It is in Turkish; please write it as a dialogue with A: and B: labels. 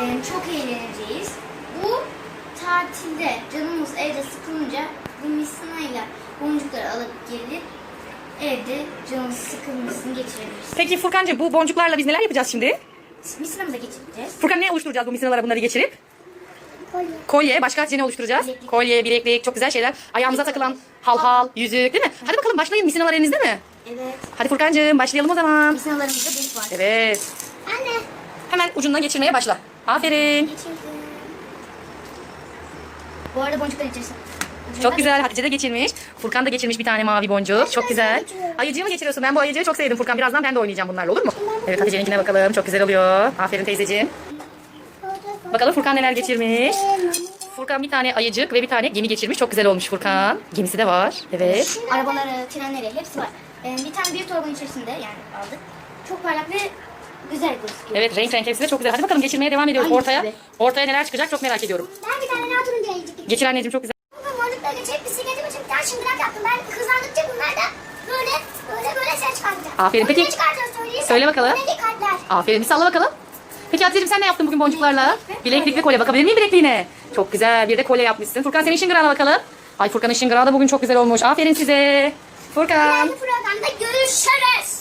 A: Çok eğleneceğiz. Bu tatilde canımız evde sıkılınca bu misinayla boncukları alıp gelip evde canımız sıkılmasını geçirebiliriz.
B: Peki Furkancığım, bu boncuklarla biz neler yapacağız şimdi?
A: Misinamıza geçireceğiz.
B: Furkan, ne oluşturacağız bu misinalara bunları geçirip?
A: Kolye.
B: Kolye. Başka Hatice ne oluşturacağız?
A: Bileklik.
B: Kolye, bileklik, çok güzel şeyler. Ayağımıza takılan halhal, yüzük, değil mi? Hadi bakalım başlayın, misinalar elinizde mi?
A: Evet.
B: Hadi Furkancığım, başlayalım o zaman.
A: Misinalarımızda delik var.
B: Evet.
A: Anne.
B: Hemen ucundan geçirmeye başla. Aferin.
A: Geçirdim. Bu arada boncuklar içerisinde.
B: Çok güzel. Hatice de geçirmiş. Furkan da geçirmiş bir tane mavi boncuk. Çok güzel. Ayıcığı mı geçiriyorsun? Ben bu ayıcığı çok sevdim Furkan. Birazdan ben de oynayacağım bunlarla, olur mu? Evet, Hatice'ninkine bakalım. Çok güzel oluyor. Aferin teyzeciğim. Bakalım Furkan neler geçirmiş. Furkan bir tane ayıcık ve bir tane gemi geçirmiş. Çok güzel olmuş Furkan. Gemisi de var. Evet.
A: Arabaları, trenleri hepsi var. Bir tane bir torbanın içerisinde yani aldık. Çok parlak ve güzel gözüküyor.
B: Evet, renk renk hepsi de çok güzel. Hadi bakalım geçirmeye devam ediyoruz
A: Hangisi
B: ortaya.
A: be?
B: Ortaya neler çıkacak çok merak ediyorum.
A: Ben bir tane daha turuncu ayıcık.
B: Geçir anneciğim, çok güzel.
A: Bu morlukları geçirip bisikletimi için bir tane şıngırak yaptım. Ben hızlandıkça bunlar da böyle ses çıkartacak.
B: Aferin. Peki,
A: Ne çıkaracağız söyleyeyim.
B: söyle bakalım.
A: Ne kalpler.
B: Aferin, bir salla bakalım. Peki Hatice'cim, sen ne yaptın bugün boncuklarla? Bileklik ve kolye. Bakabilir miyim bilekliğine? Çok güzel. Bir de kolye yapmışsın. Furkan, senin şıngırağına bakalım. Ay, Furkan'ın şıngırağı da bugün çok güzel olmuş. Aferin size. Furkan.
A: Bu programda görüşürüz.